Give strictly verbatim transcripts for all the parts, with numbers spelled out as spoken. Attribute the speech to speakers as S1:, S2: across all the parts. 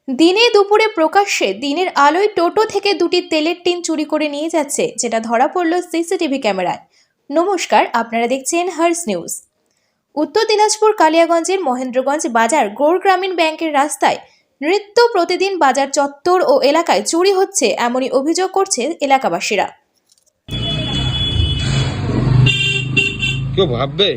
S1: দিনে দুপুরে প্রকাশ্যে দিনের আলোয় টোটো থেকে দুটি তেলের টিন চুরি করে নিয়ে যাচ্ছে, যেটা ধরা পড়ল সিসিটিভি ক্যামেরায়। নমস্কার, আপনারা দেখছেন হার্স নিউজ। উত্তর দিনাজপুর কালিয়াগঞ্জের মহেন্দ্রগঞ্জ বাজার গৌড় গ্রামীণ ব্যাংকের রাস্তায় নিত্য প্রতিদিন বাজার চত্বর ও এলাকায় চুরি হচ্ছে, এমনই অভিযোগ করছে এলাকাবাসীরা।
S2: কেউ ভাববে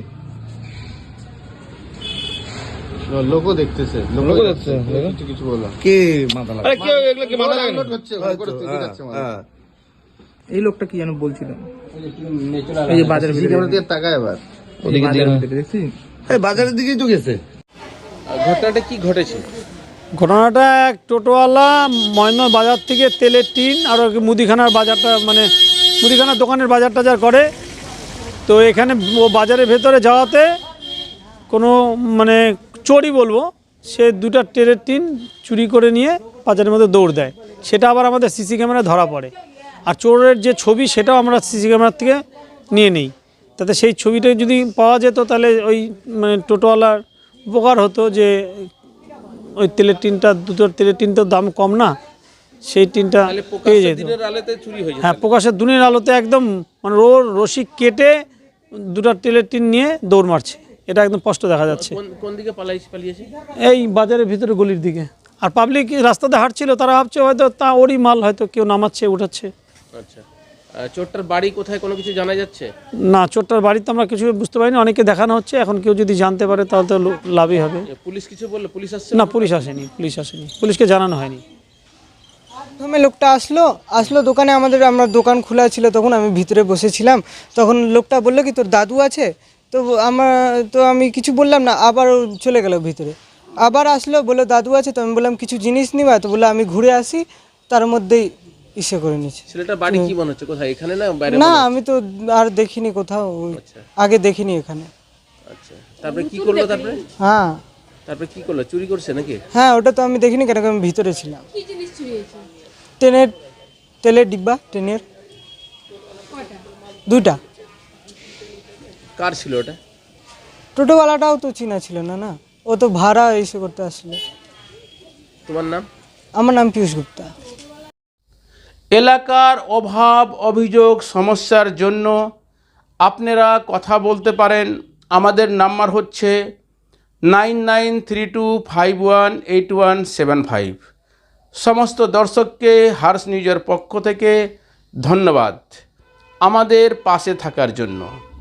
S3: লোক দেখতেছে লোক দেখতেছে কিছু বলা
S2: কে মাথা লাগা, আরে কেউ এগুলো কি মাথা লাগা
S3: হচ্ছে করে তুই যাচ্ছে মানে
S4: এই লোকটা কি জানো বলছিল, এই যে বাজারের ভিতরে
S3: ক্যামেরা দিয়ে তাকায় এবার
S4: ওদিকে দেখছি,
S2: এই বাজারের দিকেই তো গেছে।
S3: ঘটনাটা কি ঘটেছে?
S5: ঘটনাটা এক টোটোওয়ালা মহেন্দ্র বাজার থেকে তেলের টিন আর মুদিখানার বাজারটা মানে মুদিখানার দোকানের বাজার টাজার করে, তো এখানে ও বাজারের ভেতরে যাওয়াতে কোনো মানে চোরই বলবো, সে দুটা তেলের টিন চুরি করে নিয়ে বাজারের মধ্যে দৌড় দেয়। সেটা আবার আমাদের সিসি ক্যামেরা ধরা পড়ে, আর চোরের যে ছবি সেটাও আমরা সিসি ক্যামেরার থেকে নিয়ে নিই। তাতে সেই ছবিটা যদি পাওয়া যেত তাহলে ওই মানে টোটোওয়ালার উপকার হতো, যে ওই তেলের টিনটা দুটো তেলের টিনটার দাম কম না, সেই টিনটা পেয়ে যেত। হ্যাঁ, প্রকাশের দিনের আলোতে একদম মানে রো রশি কেটে দুটো তেলের টিন নিয়ে দৌড় মারছে, এটা একদম স্পষ্ট দেখা যাচ্ছে।
S4: কোন দিকে পালিয়েছে?
S5: এই বাজারের ভিতরে গলির দিকে। আর পাবলিক রাস্তাতে হাঁটছিল, তারা ভাবছে হয়তো তা ওরই মাল, হয়তো কেউ নামাচ্ছে উঠাচ্ছে।
S4: আচ্ছা, চোরটার বাড়ি কোথায় কোনো কিছু জানা যাচ্ছে
S5: না? চোরটার বাড়িতে আমরা কিছু বুঝতে পারিনি, অনেকে দেখানো হচ্ছে। এখন কেউ যদি জানতে পারে তাহলে তো লাভই হবে।
S4: পুলিশ কিছু বললো? পুলিশ আসছে
S5: না, পুলিশ আসেনি, পুলিশ আসেনি, পুলিশকে জানানো হয়নি।
S6: প্রথমে লোকটা আসলো আসলো দোকানে, আমাদের আমরা দোকান খোলা ছিল তখন, আমি ভিতরে বসেছিলাম। তখন লোকটা বললো কি তোর দাদু আছে? তো আমার তো আমি কিছু বললাম না, আবার চলে গেল ভিতরে। আবার আসলো, বললো দাদু আছে। তো আমি বললাম কিছু জিনিস নিবা? তো বললো আমি ঘুরে আসি, তার মধ্যেই ইসে করে নিচ্ছে।
S4: ছেলেটার বাড়ি কি মনে হচ্ছে, কোথায়, এখানে না বাইরে?
S6: না, আমি তো আর দেখিনি কোথাও, আগে দেখিনি এখানে।
S4: আচ্ছা, তারপরে কি করলো? তারপরে
S6: হ্যাঁ
S4: তারপরে কি করলো? চুরি করছে নাকি?
S6: হ্যাঁ, ওটা তো আমি দেখিনি, কেন আমি ভিতরে ছিলাম। ট্রেনের তেলের ডিব্বা, ট্রেনের দুইটা।
S4: কার ছিল ওটা?
S6: টোটোওয়ালাটাও তো চিনা ছিল না, না ও তো ভাড়া এসে করতে আসলো।
S4: তোমার নাম?
S6: আমার নাম পীযূষ গুপ্তা।
S7: এলাকার অভাব অভিযোগ সমস্যার জন্য আপনারা কথা বলতে পারেন। আমাদের নাম্বার হচ্ছে nine nine three two five one eight one seven five. সমস্ত দর্শককে হার্স নিউজের পক্ষ থেকে ধন্যবাদ আমাদের পাশে থাকার জন্য।